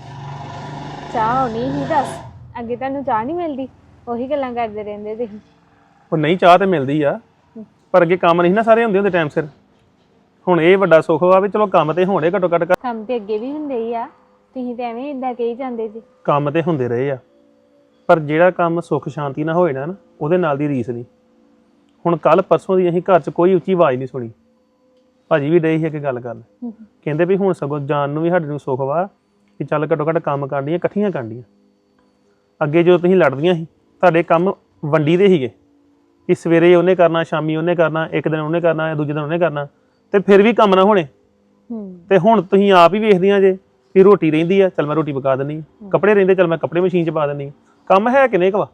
[SPEAKER 2] ਚਾਹ ਹੋਣੀ ਹੀ ਦੱਸ, ਅੱਗੇ ਤੁਹਾਨੂੰ ਚਾਹ ਨਹੀਂ ਮਿਲਦੀ? ਉਹੀ ਗੱਲਾਂ ਕਰਦੇ ਰਹਿੰਦੇ ਤੁਸੀਂ।
[SPEAKER 4] ਉਹ ਨਹੀਂ, ਚਾਹ ਤੇ ਮਿਲਦੀ ਆ, ਪਰ ਅੱਗੇ ਕੰਮ ਨਹੀਂ ਨਾ ਸਾਰੇ ਹੁੰਦੇ ਟਾਈਮ ਸਿਰ। ਹੁਣ ਇਹ ਵੱਡਾ ਸੁੱਖ ਵਾ ਵੀ ਚਲੋ ਕੰਮ ਤੇ ਹੋਣੇ ਘੱਟੋ ਘੱਟ।
[SPEAKER 2] ਕੰਮ ਤੇ ਅੱਗੇ ਵੀ ਹੁੰਦੇ ਹੀ ਆ, ਤੁਸੀਂ ਤੇ ਐਵੇਂ ਇਦਾਂ ਕਹੀ ਜਾਂਦੇ ਜੀ।
[SPEAKER 4] ਕੰਮ ਤੇ ਹੁੰਦੇ ਰਹੇ ਆ, ਪਰ ਜਿਹੜਾ ਕੰਮ ਸੁੱਖ ਸ਼ਾਂਤੀ ਨਾਲ ਹੋਏ ਨਾ ਉਹਦੇ ਨਾਲ ਦੀ ਰੀਸ ਨਹੀਂ। ਹੁਣ ਕੱਲ ਪਰਸੋਂ ਦੀ ਅਸੀਂ ਘਰ 'ਚ ਕੋਈ ਉੱਚੀ ਆਵਾਜ਼ ਨਹੀਂ ਸੁਣੀ। ਭਾਜੀ ਵੀ ਡਏ ਸੀ ਅੱਗੇ ਗੱਲ ਕਰਨ, ਕਹਿੰਦੇ ਵੀ ਹੁਣ ਸਗੋਂ ਜਾਣ ਨੂੰ ਵੀ ਸਾਡੇ ਨੂੰ ਸੁੱਖ ਵਾ ਕਿ ਚੱਲ ਘੱਟੋ ਘੱਟ ਕੰਮ ਕਰਨੀਆਂ ਇਕੱਠੀਆਂ ਕਰਨੀਆਂ। ਅੱਗੇ ਜਦੋਂ ਤੁਸੀਂ ਲੜਦੀਆਂ ਸੀ ਤੁਹਾਡੇ ਕੰਮ ਵੰਡੀ ਦੇ ਸੀਗੇ ਕਿ ਸਵੇਰੇ ਉਹਨੇ ਕਰਨਾ, ਸ਼ਾਮੀ ਉਹਨੇ ਕਰਨਾ, ਇੱਕ ਦਿਨ ਉਹਨੇ ਕਰਨਾ, ਦੂਜੇ ਦਿਨ ਉਹਨੇ ਕਰਨਾ, ਤੇ ਫਿਰ ਵੀ ਕੰਮ ਨਾ ਹੋਣੇ। ਤੇ ਹੁਣ ਤੁਸੀਂ ਆਪ ਹੀ ਵੇਖਦੀਆਂ ਜੇ ਕਿ ਰੋਟੀ ਰਹਿੰਦੀ ਆ, ਚੱਲ ਮੈਂ ਰੋਟੀ ਪਕਾ ਦਿੰਦੀ, ਕੱਪੜੇ ਰਹਿੰਦੇ ਚੱਲ ਮੈਂ ਕੱਪੜੇ ਮਸ਼ੀਨ 'ਚ ਪਾ ਦਿੰਦੀ। ਕੰਮ ਹੈ ਕਿੰਨੇ ਕੁ ਵਾ?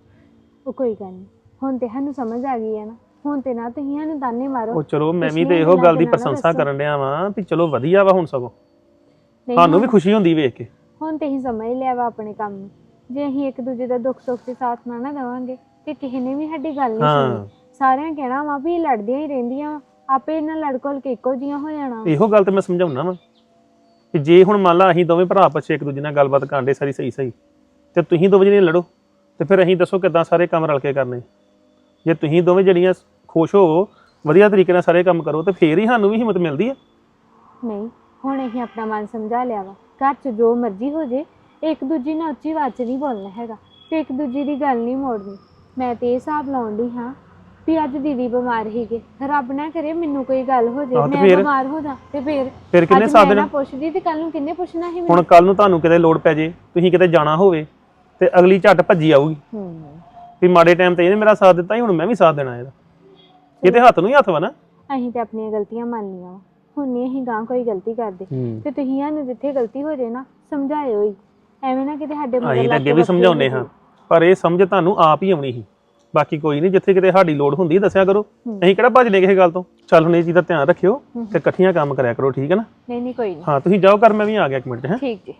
[SPEAKER 2] ਉਹ ਕੋਈ ਗੱਲ ਨਹੀਂ, ਹੁਣ ਤੇ ਸਾਨੂੰ ਸਮਝ ਆ ਗਈ ਹੈ ਨਾ, ਹੁਣ ਤੇ ਨਾ ਤੁਸੀਂ ਸਾਨੂੰ ਤਾਨੇ ਮਾਰੋ।
[SPEAKER 4] ਉਹ ਚਲੋ ਮੈਂ ਵੀ ਤੇ ਇਹੋ ਗੱਲ ਦੀ ਪ੍ਰਸ਼ੰਸਾ ਕਰਨ ਡਿਆ ਵਾਂ ਵੀ ਚਲੋ ਵਧੀਆ ਵਾ, ਹੁਣ ਸਗੋਂ ਸਾਨੂੰ ਵੀ ਖੁਸ਼ੀ ਹੁੰਦੀ ਵੇਖ ਕੇ।
[SPEAKER 2] ਹੁਣ ਤੇ ਅਸੀਂ ਸਮਝ ਲਿਆ ਵਾ ਆਪਣੇ ਕੰਮ ਨੂੰ। ਜੇ ਅਸੀਂ ਇੱਕ ਦੂਜੇ ਦਾ ਦੁੱਖ ਸੁੱਖ ਤੇ ਸਾਥ ਨਾ ਦੇਵਾਂਗੇ ਤੇ ਕਿਸੇ ਨੇ ਵੀ ਸਾਡੀ ਗੱਲ ਨਹੀਂ ਸੁਣਨੀ। ਸਾਰਿਆਂ ਕਹਿਣਾ ਵਾ ਵੀ ਲੜਦੀਆਂ ਹੀ ਰਹਿੰਦੀਆਂ, ਆਪੇ ਇਹਨਾਂ ਲੜਕੋਲ ਕੇ ਇੱਕੋ ਜੀਆਂ ਹੋ ਜਾਣਾ।
[SPEAKER 4] ਇਹੋ ਗੱਲ ਤੇ ਮੈਂ ਸਮਝਾਉਣਾ ਵਾ ਕਿ ਜੇ ਹੁਣ ਮੰਨ ਲਾ ਅਸੀਂ ਦੋਵੇਂ ਭਰਾ ਪਿੱਛੇ ਇੱਕ ਦੂਜੇ ਨਾਲ ਗੱਲਬਾਤ ਕਰਦੇ ਸਾਰੀ ਸਹੀ ਤੇ ਤੁਸੀਂ ਦੋਵੇਂ ਜਣੇ ਲੜੋ ਤੇ ਫਿਰ ਅਸੀਂ ਦੱਸੋ ਕਿੱਦਾਂ ਸਾਰੇ ਕੰਮ ਰਲ ਕੇ ਕਰਨੇ? ਜੇ ਤੁਸੀਂ ਦੋਵੇਂ ਜਣੀਆਂ ਖੁਸ਼ ਹੋ, ਵਧੀਆ ਤਰੀਕੇ ਨਾਲ ਸਾਰੇ ਕੰਮ ਕਰੋ ਤੇ ਫੇਰ ਹੀ ਸਾਨੂੰ ਵੀ ਹਿੰਮਤ ਮਿਲਦੀ ਆ। ਨਹੀਂ
[SPEAKER 2] ਹੁਣ ਅਸੀਂ ਆਪਣਾ ਮਨ ਸਮਝਾ ਲਿਆ ਵਾ, ਘਰ 'ਚ ਜੋ ਮਰਜ਼ੀ ਹੋ ਜੇ ਇੱਕ ਦੂਜੀ ਨਾਲ ਉੱਚੀ ਆਵਾਜ਼ 'ਚ ਨਹੀਂ ਬੋਲਣਾ ਹੈਗਾ ਤੇ ਇੱਕ ਦੂਜੀ ਦੀ ਗੱਲ ਨਹੀਂ ਮੋੜਨੀ। ਮੈਂ ਤੇ ਇਹ ਹਿਸਾਬ ਲਾਉਣ ਡਈ ਹਾਂ ਵੀ ਅੱਜ ਦੀਦੀ ਬਿਮਾਰ ਸੀਗੇ, ਰੱਬ ਨਾ ਕਰੇ ਮੈਨੂੰ ਕੋਈ ਗੱਲ ਹੋ ਜੇ, ਮੈਂ ਬਿਮਾਰ ਹੋ ਜਾ ਤੇ ਫਿਰ ਕਿੰਨੇ ਸਾਥ ਦੇਣਾ? ਪੁੱਛਦੀ ਤੇ ਕੱਲ ਨੂੰ ਕਿੰਨੇ ਪੁੱਛਣਾ ਸੀ?
[SPEAKER 4] ਹੁਣ ਕੱਲ ਨੂੰ ਤੁਹਾਨੂੰ ਕਿਤੇ ਲੋੜ ਪੈ ਜੇ, ਤੁਸੀਂ ਕਿਤੇ ਜਾਣਾ ਹੋਵੇ ਤੇ ਅਗਲੀ ਝੱਟ ਭੱਜੀ ਆਊਗੀ ਵੀ ਮਾੜੇ ਟਾਈਮ ਤੇ ਇਹਨੇ ਮੇਰਾ ਸਾਥ ਦਿੱਤਾ ਸੀ, ਹੁਣ ਮੈਂ ਵੀ ਸਾਥ ਦੇਣਾ ਇਹਦਾ। ਇਹ ਤੇ ਹੱਥ ਨੂੰ ਹੀ ਹੱਥ ਵਾ ਨਾ।
[SPEAKER 2] ਅਸੀਂ ਤੇ ਆਪਣੀਆਂ ਗਲਤੀਆਂ ਮੰਨ ਲਈਆਂ, ਹੁਣ ਨਹੀਂ ਅਸੀਂ ਗਾਂ ਕੋਈ ਗਲਤੀ ਕਰਦੇ ਤੇ ਤੁਸੀਂ ਸਾਨੂੰ ਜਿੱਥੇ ਗਲਤੀ ਹੋ ਜੇ ਨਾ ਸਮਝਾਇਓ ਹੀ, ਐਵੇਂ ਨਾ ਕਿਤੇ ਸਾਡੇ ਮਗਰ ਲੱਗ ਕੇ। ਅੱਗੇ ਵੀ ਸਮਝਾਉਂਦੇ ਹਾਂ, ਪਰ ਇਹ ਸਮਝ ਤੁਹਾਨੂੰ ਆਪ ਹੀ ਆਉਣੀ ਸੀ। ਬਾਕੀ ਕੋਈ ਨਹੀਂ, ਜਿੱਥੇ ਕਿਤੇ ਸਾਡੀ ਲੋੜ ਹੁੰਦੀ ਦੱਸਿਆ ਕਰੋ, ਅਸੀਂ ਕਿਹੜਾ ਭੱਜਦੇ ਕਿਸੇ ਗੱਲ ਤੋਂ। ਚੱਲ ਹੁਣ ਇਹ ਚੀਜ਼ ਦਾ ਧਿਆਨ ਰੱਖਿਓ ਤੇ ਇਕੱਠੀਆਂ ਕੰਮ ਕਰਿਆ ਕਰੋ, ਠੀਕ ਹੈ ਨਾ? ਨਹੀਂ ਕੋਈ ਨਹੀਂ।
[SPEAKER 4] ਹਾਂ ਤੁਸੀਂ ਜਾਓ ਕਰ, ਮੈਂ ਵੀ ਆ ਗਿਆ ਇੱਕ ਮਿੰਟ।
[SPEAKER 2] ਠੀਕ ਜੀ।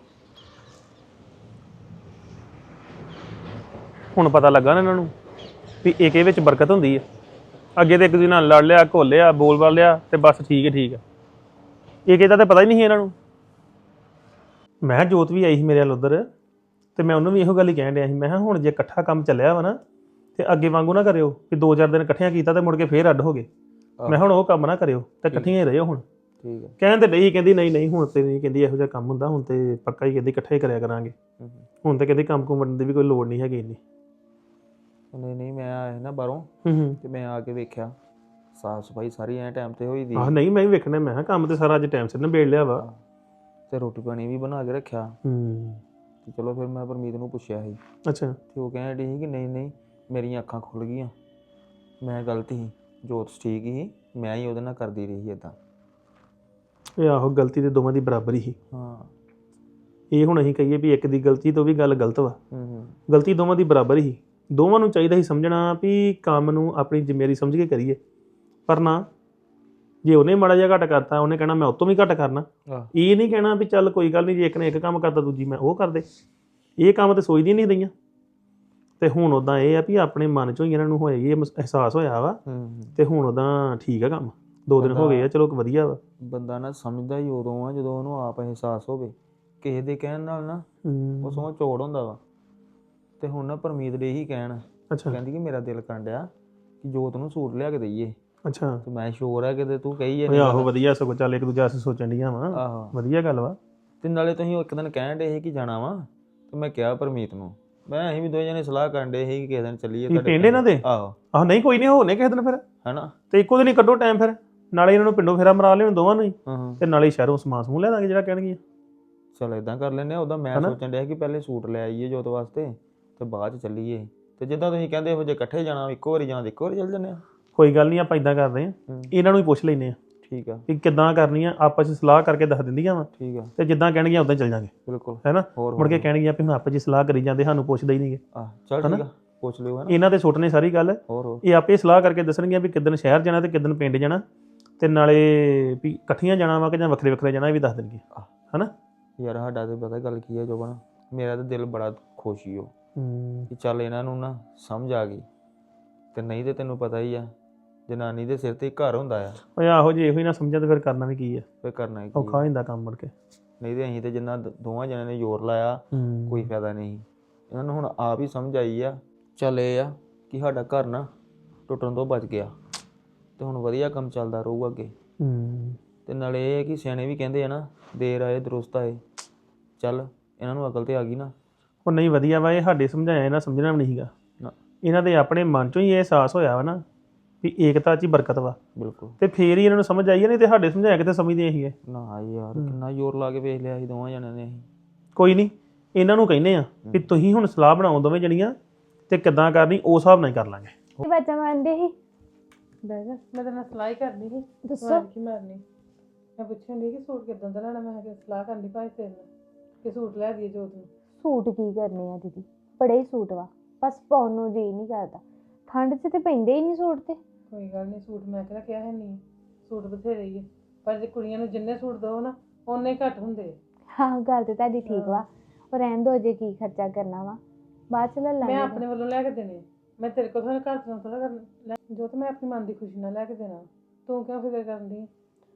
[SPEAKER 4] ਹੁਣ ਪਤਾ ਲੱਗਾ ਨਾ ਇਹਨਾਂ ਨੂੰ ਵੀ ਏਕੇ ਵਿੱਚ ਬਰਕਤ ਹੁੰਦੀ ਹੈ। ਅੱਗੇ ਤੇ ਇੱਕ ਦੂਜੇ ਨਾਲ ਲੜ ਲਿਆ, ਘੋਲਿਆ, ਬੋਲ ਲਿਆ ਤੇ ਬਸ ਠੀਕ ਹੈ। ਏਕੇ ਦਾ ਤਾਂ ਪਤਾ ਹੀ ਨਹੀਂ ਸੀ ਇਹਨਾਂ ਨੂੰ। ਮੈਂ ਜੋਤ ਵੀ ਆਈ ਸੀ ਮੇਰੇ ਵੱਲ ਉੱਧਰ ਤੇ ਮੈਂ ਉਹਨੂੰ ਵੀ ਇਹੋ ਗੱਲ ਹੀ ਕਹਿਣ ਡਿਆ ਸੀ, ਮੈਂ ਕਿਹਾ ਹੁਣ ਜੇ ਇਕੱਠਾ ਕੰਮ ਚੱਲਿਆ ਵਾ ਨਾ ਤੇ ਅੱਗੇ ਵਾਂਗੂ ਨਾ ਕਰਿਓ ਕਿ 2-4 ਦਿਨ ਇਕੱਠਿਆਂ ਕੀਤਾ ਤੇ ਮੁੜ ਕੇ ਫੇਰ ਅੱਡ ਹੋ ਗਏ। ਮੈਂ ਹੁਣ ਉਹ ਕੰਮ ਨਾ ਕਰਿਓ ਤੇ ਇਕੱਠੀਆਂ ਹੀ ਰਹਿਓ ਹੁਣ।
[SPEAKER 3] ਠੀਕ ਹੈ।
[SPEAKER 4] ਕਹਿਣ ਤੇ ਨਹੀਂ, ਕਹਿੰਦੀ ਨਹੀਂ ਹੁਣ ਤੇ ਨਹੀਂ, ਕਹਿੰਦੀ ਇਹੋ ਜਿਹਾ ਕੰਮ ਹੁੰਦਾ, ਹੁਣ ਤੇ ਪੱਕਾ ਹੀ ਕਹਿੰਦੀ ਇਕੱਠੇ ਹੀ ਕਰਿਆ ਕਰਾਂਗੇ। ਹੁਣ ਤੇ ਕਹਿੰਦੀ ਕੰਮ ਕੁਮ ਵੰਡਣ ਦੀ ਵੀ ਕੋਈ ਲੋੜ ਨਹੀਂ ਹੈਗੀ ਇੰਨੀ।
[SPEAKER 3] ਨਹੀਂ ਮੈਂ ਆਇਆ ਸੀ ਨਾ ਬਾਹਰੋਂ ਤੇ ਮੈਂ ਆ ਕੇ ਵੇਖਿਆ ਸਾਫ ਸਫਾਈ ਸਾਰੀ ਐ ਟਾਈਮ ਤੇ ਹੋਈ ਦੀ
[SPEAKER 4] ਆਹ ਨਹੀਂ, ਮੈਂ ਵੀ ਵੇਖਣਾ, ਮੈਂ ਕਿਹਾ ਕੰਮ ਤੇ ਸਾਰਾ ਅੱਜ ਟਾਈਮ ਸਿਰ ਨਿਬੇੜ ਲਿਆ ਵਾ।
[SPEAKER 3] ਤੇ ਰੋਟੀ ਪਾਣੀ ਵੀ ਬਣਾ ਕੇ ਰੱਖਿਆ। ਤੇ ਚਲੋ ਫਿਰ ਮੈਂ ਪਰਮੀਤ ਨੂੰ ਪੁੱਛਿਆ ਸੀ
[SPEAKER 4] ਅੱਛਾ।
[SPEAKER 3] ਤੇ ਉਹ ਕਹਿਣ ਡਈ ਸੀ ਕਿ ਨਹੀਂ ਮੇਰੀਆਂ ਅੱਖਾਂ ਖੁੱਲ ਗਈਆਂ, ਮੈਂ ਗਲਤ ਸੀ, ਜੋਤ ਠੀਕ ਸੀ, ਮੈਂ ਹੀ ਉਹਦੇ ਨਾਲ ਕਰਦੀ ਰਹੀ ਇਦਾਂ।
[SPEAKER 4] ਇਹ ਆਹੋ, ਗਲਤੀ ਤੇ ਦੋਵਾਂ ਦੀ ਬਰਾਬਰ ਹੀ ਸੀ।
[SPEAKER 3] ਹਾਂ।
[SPEAKER 4] ਇਹ ਹੁਣ ਅਸੀਂ ਕਹੀਏ ਵੀ ਇੱਕ ਦੀ ਗਲਤੀ ਤੋਂ ਵੀ ਗੱਲ ਗਲਤ ਵਾ, ਗਲਤੀ ਦੋਵਾਂ ਦੀ ਬਰਾਬਰ ਹੀ। ਦੋਵਾਂ ਨੂੰ ਚਾਹੀਦਾ ਸੀ ਸਮਝਣਾ ਵੀ ਕੰਮ ਨੂੰ ਆਪਣੀ ਜ਼ਿੰਮੇਵਾਰੀ ਸਮਝ ਕੇ ਕਰੀਏ, ਪਰ ਨਾ, ਜੇ ਉਹਨੇ ਮਾੜਾ ਜਿਹਾ ਘੱਟ ਕਰਤਾ ਉਹਨੇ ਕਹਿਣਾ ਮੈਂ ਉਹ ਤੋਂ ਵੀ ਘੱਟ ਕਰਨਾ। ਇਹ ਨਹੀਂ ਕਹਿਣਾ ਵੀ ਚੱਲ ਕੋਈ ਗੱਲ ਨਹੀਂ, ਜੇ ਇੱਕ ਨੇ ਇੱਕ ਕੰਮ ਕਰਤਾ ਦੂਜੀ ਮੈਂ ਉਹ ਕਰਦੇ। ਇਹ ਕੰਮ ਤੇ ਸੋਚਦੀ ਨਹੀਂ ਰਹੀਆਂ। ਤੇ ਹੁਣ ਉਦਾਂ ਇਹ ਆ ਵੀ ਆਪਣੇ ਮਨ ਚੋਂ ਹੀ ਇਹਨਾਂ ਨੂੰ ਹੋਇਆ, ਇਹ ਅਹਿਸਾਸ ਹੋਇਆ ਵਾ ਤੇ ਹੁਣ ਉਦਾਂ ਠੀਕ ਆ ਕੰਮ। 2 ਦਿਨ ਹੋ ਗਏ ਆ, ਚਲੋ ਵਧੀਆ ਵਾ। ਬੰਦਾ ਨਾ ਸਮਝਦਾ ਹੀ ਉਦੋਂ ਆ ਜਦੋਂ ਉਹਨੂੰ ਆਪ ਅਹਿਸਾਸ ਹੋਵੇ। ਕਿਸੇ ਦੇ ਕਹਿਣ ਨਾਲ ਨਾ ਉਹ ਸੋਹ ਚੋੜ ਹੁੰਦਾ ਵਾ। ਤੇ ਹੁਣ ਨਾ ਪਰਮੀਤ ਦੇ ਹੀ ਕਹਿਣ, ਕਹਿੰਦੀ ਕਿ ਮੇਰਾ ਦਿਲ ਕਰਨ ਡਿਆ ਕਿ ਜੋਤ ਨੂੰ ਸੂਟ ਲਿਆ ਕੇ ਦਈਏ। ਅੱਛਾ। ਤੇ ਮੈਂ ਸ਼ੋਰ ਆ ਕਿਤੇ ਤੂੰ ਕਹੀ ਹੈ। ਆਹੋ ਵਧੀਆ, ਸਗੋਂ ਚੱਲ ਇੱਕ ਦੂਜੇ ਵਾਸਤੇ ਸੋਚਣ ਡੀਆਂ ਵਾ। ਆਹੋ ਵਧੀਆ ਗੱਲ ਵਾ। ਤੇ ਨਾਲੇ ਤੁਸੀਂ ਇੱਕ ਦਿਨ ਕਹਿਣ ਡੇ ਸੀ ਕਿ ਜਾਣਾ ਵਾ, ਤੇ ਮੈਂ ਕਿਹਾ ਪਰਮੀਤ ਨੂੰ, ਮੈਂ ਅਸੀਂ ਵੀ 2 ਜਣੇ ਸਲਾਹ ਕਰਨ ਡੇ ਸੀ ਕਿ ਕਿਸੇ ਦਿਨ ਚੱਲੀਏ ਤੁਹਾਡੇ ਪਿੰਡ ਇਹਨਾਂ ਦੇ। ਆਹੋ ਨਹੀਂ ਕੋਈ ਨਹੀਂ, ਹੋਣੇ ਕਿਸੇ ਦਿਨ ਫਿਰ, ਹਨਾ। ਤੇ ਇੱਕੋ ਦਿਨ ਹੀ ਕੱਢੋ ਟਾਈਮ, ਫਿਰ ਨਾਲੇ ਇਹਨਾਂ ਨੂੰ ਪਿੰਡੋਂ ਫੇਰਾ ਮਰਾ ਲਿਓ ਦੋਵਾਂ ਨੂੰ ਹੀ, ਤੇ ਨਾਲੇ ਸ਼ਹਿਰੋਂ ਸਮਾਨ ਸਮੂਹ ਲੈ ਦਾਂਗੇ ਜਿਹੜਾ ਕਹਿਣਗੇ। ਚਲ ਏਦਾਂ ਕਰ ਲੈਂਦੇ ਆ। ਉਹਦਾ ਮੈਂ ਸੋਚਣ ਡਿਆ ਕਿ ਪਹਿਲੇ ਸੂਟ ਲੈ ਆਈਏ ਜੋਤ ਵਾਸਤੇ ਤੇ ਬਾਅਦ ਚ ਚੱਲੀਏ। ਤੇ ਜਿੱਦਾਂ ਤੁਸੀਂ ਕਹਿੰਦੇ ਇਹੋ ਜੇ ਇਕੱਠੇ ਜਾਣਾ, ਇੱਕੋ ਵਾਰੀ ਜਾਣਾ, ਇੱਕੋ ਵਾਰੀ ਚੱਲ ਜੰਨੇ ਆ। ਕੋਈ ਗੱਲ ਨਹੀਂ, ਆਪਾਂ ਇਦਾਂ ਕਰਦੇ ਆ, ਇਹਨਾਂ ਨੂੰ ਹੀ ਪੁੱਛ ਲੈਨੇ ਆ। ਠੀਕ ਆ। ਕਿ ਕਿੱਦਾਂ ਕਰਨੀ ਆ, ਆਪਸ ਚ ਸਲਾਹ ਕਰਕੇ ਦੱਸ ਦਿੰਦੀਆਂ ਵਾ। ਠੀਕ ਆ। ਤੇ ਜਿੱਦਾਂ ਕਹਿਣਗੀਆਂ ਉਦਾਂ ਚੱਲ ਜਾਾਂਗੇ। ਬਿਲਕੁਲ, ਹੈਨਾ। ਮੁੜ ਕੇ ਕਹਿਣਗੀਆਂ ਵੀ ਹੁਣ ਆਪਸ ਚ ਸਲਾਹ ਕਰੀ ਜਾਂਦੇ, ਸਾਨੂੰ ਪੁੱਛਦੇ ਹੀ ਨਹੀਂਗੇ। ਚੱਲ ਠੀਕ ਆ, ਪੁੱਛ ਲਿਓ। ਇਹਨਾਂ ਦੇ ਸੁੱਟ ਨੇ ਸਾਰੀ ਗੱਲ। ਇਹ ਆਪੇ ਸਲਾਹ ਕਰਕੇ ਦੱਸਣਗੀਆਂ ਵੀ ਕਿੱਦਣ ਸ਼ਹਿਰ ਜਾਣਾ ਤੇ ਕਿੱਦਣ ਪਿੰਡ ਜਾਣਾ, ਤੇ ਨਾਲੇ ਵੀ ਇਕੱਠੀਆਂ ਜਾਣਾ ਵਾ ਕਿ ਜਾਂ ਵੱਖਰੇ ਵੱਖਰੇ ਜਾਣਾ, ਇਹ ਵੀ ਦੱਸ ਦੇਣਗੇ। ਹਨਾ ਯਾਰ, ਸਾਡਾ ਤੇ ਪਤਾ ਗੱਲ ਕੀ ਹੈ ਜੋਬਨ, ਮੇਰਾ ਤਾਂ ਦਿਲ ਬੜਾ ਖੁਸ਼ ਹੀ ਹੋ ਕਿ ਚੱਲ ਇਹਨਾਂ ਨੂੰ ਨਾ ਸਮਝ ਆ ਗਈ। ਤੇ ਨਹੀਂ ਤੇ ਤੈਨੂੰ ਪਤਾ ਹੀ ਆ, ਜਨਾਨੀ ਦੇ ਸਿਰ ਤੇ ਘਰ ਹੁੰਦਾ ਆ। ਓਏ ਆਹੋ, ਜੇ ਇਹੋ ਹੀ ਨਾ ਸਮਝਿਆ ਤਾਂ ਫਿਰ ਕਰਨਾ ਵੀ ਕੀ ਆ। ਫਿਰ ਕਰਨਾ ਕੀ, ਔਖਾ ਹੋ ਜਾਂਦਾ ਕੰਮ ਮੁੜ ਕੇ। ਨਹੀਂ ਤੇ ਅਸੀਂ ਤੇ ਜਿੰਨਾ ਦੋਵਾਂ ਜਣਿਆਂ ਨੇ ਜ਼ੋਰ ਲਾਇਆ, ਕੋਈ ਫਾਇਦਾ ਨਹੀਂ। ਇਹਨਾਂ ਨੂੰ ਹੁਣ ਆਪ ਹੀ ਸਮਝ ਆਈ ਆ। ਚੱਲ ਇਹ ਆ ਕਿ ਸਾਡਾ ਘਰ ਨਾ ਟੁੱਟਣ ਤੋਂ ਬਚ ਗਿਆ ਤੇ ਹੁਣ ਵਧੀਆ ਕੰਮ ਚੱਲਦਾ ਰਹੂਗਾ ਅੱਗੇ। ਤੇ ਨਾਲੇ ਇਹ ਹੈ ਕਿ ਸਿਆਣੇ ਵੀ ਕਹਿੰਦੇ ਆ ਨਾ, ਦੇਰ ਆਏ ਦਰੁਸਤ ਆਏ। ਚੱਲ ਇਹਨਾਂ ਨੂੰ ਅਕਲ ਤੇ ਆ ਗਈ ਨਾ। ਉਹ ਨਹੀਂ ਵਧੀਆ ਵਾ, ਇਹ ਸਾਡੇ ਸਮਝਾਇਆ ਇਹਨਾਂ ਸਮਝਣਾ ਵੀ ਨਹੀਂ ਸੀਗਾ। ਇਹਨਾਂ ਦੇ ਆਪਣੇ ਮਨ ਚੋਂ ਹੀ ਇਹ ਅਹਿਸਾਸ ਹੋਇਆ ਵਾ ਨਾ ਵੀ ਏਕਤਾ 'ਚ ਹੀ ਬਰਕਤ ਵਾ। ਬਿਲਕੁਲ। ਤੇ ਫੇਰ ਹੀ ਇਹਨਾਂ ਨੂੰ ਸਮਝ ਆਈ ਹੈ, ਨਹੀਂ ਤੇ ਸਾਡੇ ਸਮਝਾਇਆ ਕਿਤੇ ਸਮਝਦੇ ਸੀਗੇ ਨਾ ਯਾਰ। ਕਿੰਨਾ ਜ਼ੋਰ ਲਾ ਕੇ ਵੇਖ ਲਿਆ ਸੀ ਦੋਵਾਂ ਜਣਿਆਂ ਨੇ। ਅਸੀਂ ਕੋਈ ਨਹੀਂ, ਇਹਨਾਂ ਨੂੰ ਕਹਿੰਦੇ ਆ ਵੀ ਤੁਸੀਂ ਹੁਣ ਸਲਾਹ ਬਣਾਓ ਦੋਵੇਂ ਜਣੀਆਂ, ਤੇ ਕਿੱਦਾਂ ਕਰਨੀ ਉਸ ਹਿਸਾਬ ਨਾਲ ਹੀ ਕਰ ਲਾਂਗੇ।
[SPEAKER 2] ਬੱਚਾ ਮੰਨਦੇ ਸੀ।
[SPEAKER 1] ਮੈਂ ਤੇਰੇ ਨਾਲ ਸਲਾਹ ਹੀ ਕਰਨੀ ਸੀ।
[SPEAKER 2] ਦੱਸੋ
[SPEAKER 1] ਕੀ ਮਾਰਨੀ। ਮੈਂ ਪੁੱਛਣ ਦੀ ਕਿ ਸੂਟ ਕਿੱਦਾਂ ਦਾ ਲੈਣਾ। ਮੈਂ ਕਿਹਾ ਸਲਾਹ ਕਰਨੀ ਭਾਈ ਤੇਰੇ ਨਾਲ ਕਿ ਸੂਟ ਲੈ ਦਈਏ ਜੋਤ ਨੂੰ।
[SPEAKER 2] ਸੂਟ ਕੀ ਕਰਨੇ ਆ ਦੀਦੀ, ਬੜੇ ਹੀ ਸੂਟ ਵਾ, ਬਸ ਪਾਉਣ ਨੂੰ ਜੀ ਨਹੀਂ ਕਰਦਾ। ਠੰਡ 'ਚ ਤੇ ਪੈਂਦੇ ਹੀ ਨਹੀਂ ਸੂਟ। ਤੇ
[SPEAKER 1] ਕੋਈ ਗੱਲ ਨਹੀਂ, ਸੂਟ ਮੈਂ ਕਿਹੜਾ ਕਿਹਾ ਹੈ ਨਹੀਂ, ਸੂਟ ਬਥੇਰੇ ਹੀ ਆ, ਪਰ ਜੇ ਕੁੜੀਆਂ ਨੂੰ ਜਿੰਨੇ ਸੂਟ ਦਿਓ ਨਾ ਓਨੇ ਹੀ ਘੱਟ ਹੁੰਦੇ।
[SPEAKER 2] ਹਾਂ ਗੱਲ ਤੇ ਤੁਹਾਡੀ ਠੀਕ ਵਾ, ਉਹ ਰਹਿਣ ਦੋ, ਜੇ ਕੀ ਖਰਚਾ ਕਰਨਾ ਵਾ ਬਾਅਦ 'ਚ ਲੈ ਲਾਂਗੇ।
[SPEAKER 1] ਮੈਂ ਆਪਣੇ ਵੱਲੋਂ ਲੈ ਕੇ ਦੇਣੇ, ਮੈਂ ਤੇਰੇ ਕੋਲ ਥੋੜਾ ਘਰ ਤੋਂ ਥੋੜਾ ਕਰਨਾ ਜੋ ਤੇ ਮੈਂ ਆਪਣੀ ਮਨ ਦੀ ਖੁਸ਼ੀ ਨਾਲ ਲੈ ਕੇ ਦੇਣਾ। ਤੂੰ ਕਿਉਂ ਫਿਕਰ ਕਰਨ ਦੀ?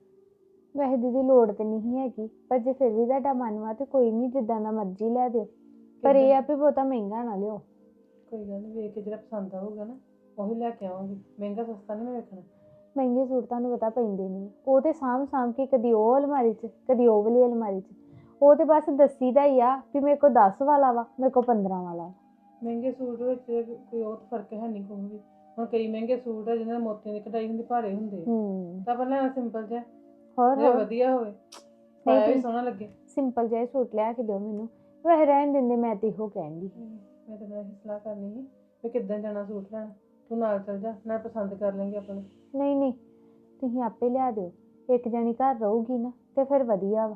[SPEAKER 2] ਵੈਸੇ ਦੀਦੀ ਲੋੜ ਤੇ ਨਹੀਂ ਹੈਗੀ, ਪਰ ਜੇ ਫਿਰ ਵੀ ਤੁਹਾਡਾ ਮਨ ਵਾ ਤੇ ਕੋਈ ਨਹੀਂ, ਜਿੱਦਾਂ ਦਾ ਮਰਜ਼ੀ ਲੈ ਦਿਓ, ਪਰ ਇਹ ਆ ਵੀ ਬਹੁਤਾ ਮਹਿੰਗਾ ਨਾ ਲਿਓ।
[SPEAKER 1] ਕੋਈ ਗੱਲ ਨਹੀਂ, ਵੇਖ ਕੇ ਜਿਹੜਾ ਪਸੰਦ ਆਊਗਾ ਨਾ ਉਹੀ ਲੈ ਕੇ ਆਵਾਂਗੀ। ਮਹਿੰਗਾ ਸਸਤਾ ਨਹੀਂ ਮੈਂ ਵੇਖਣਾ।
[SPEAKER 2] ਮਹਿੰਗੇ ਸੂਟ ਤੁਹਾਨੂੰ ਪਤਾ ਪੈਂਦੇ ਨਹੀਂ, ਉਹ ਤੇ ਸਾਂਭ ਕੇ ਕਦੀ ਉਹ ਅਲਮਾਰੀ 'ਚ ਕਦੀ ਉਹ ਵਾਲੀ ਅਲਮਾਰੀ 'ਚ, ਉਹ ਤੇ ਬਸ ਦੱਸੀ ਦਾ ਹੀ ਆ ਵੀ ਮੇਰੇ ਕੋਲ 10 ਵਾਲਾ ਵਾ, ਮੇਰੇ ਕੋਲ 15 ਵਾਲਾ।
[SPEAKER 1] ਮਹਿੰਗੇ ਸੂਟ ਵਿੱਚ ਕੋਈ ਉਹ ਫਰਕ ਹੈ ਨਹੀਂ ਕੋਈ ਵੀ। ਹੁਣ ਕਈ ਮਹਿੰਗੇ ਸੂਟ ਆ ਜਿਹਨਾਂ ਮੋਤੀਆਂ ਦੀ ਕਢਾਈ ਹੁੰਦੀ, ਭਾਰੇ ਹੁੰਦੇ ਤਾਂ ਆਪਾਂ ਲੈਣਾ ਸਿੰਪਲ ਜਿਹਾ, ਹੋਰ ਵਧੀਆ ਹੋਵੇ, ਪਾਇਆ ਵੀ ਸੋਹਣਾ ਲੱਗੇ। ਸਿੰਪਲ ਜਿਹਾ ਸੂਟ ਲਿਆ ਕੇ ਦਿਓ ਮੈਨੂੰ, ਵੈਸੇ ਰਹਿਣ ਦਿੰਦੇ, ਮੈਂ ਤੇ ਇਹੋ ਕਹਿੰਦੀ। ਮੈਂ ਤਾਂ ਇਹੀ ਸਲਾਹ ਕਰਨੀ ਸੀ ਵੀ ਕਿੱਦਾਂ ਜਾਣਾ ਸੂਟ ਲੈਣ। ਤੂੰ ਨਾਲ ਚੱਲ ਜਾ, ਨਾਲ ਪਸੰਦ ਕਰ ਲੈਂਗੇ ਆਪਣੇ। ਨਹੀਂ ਤੁਸੀਂ ਆਪੇ ਲਿਆ ਦਿਓ, ਇੱਕ ਜਣੀ ਘਰ ਰਹੂਗੀ ਨਾ ਤੇ ਫਿਰ ਵਧੀਆ ਵਾ।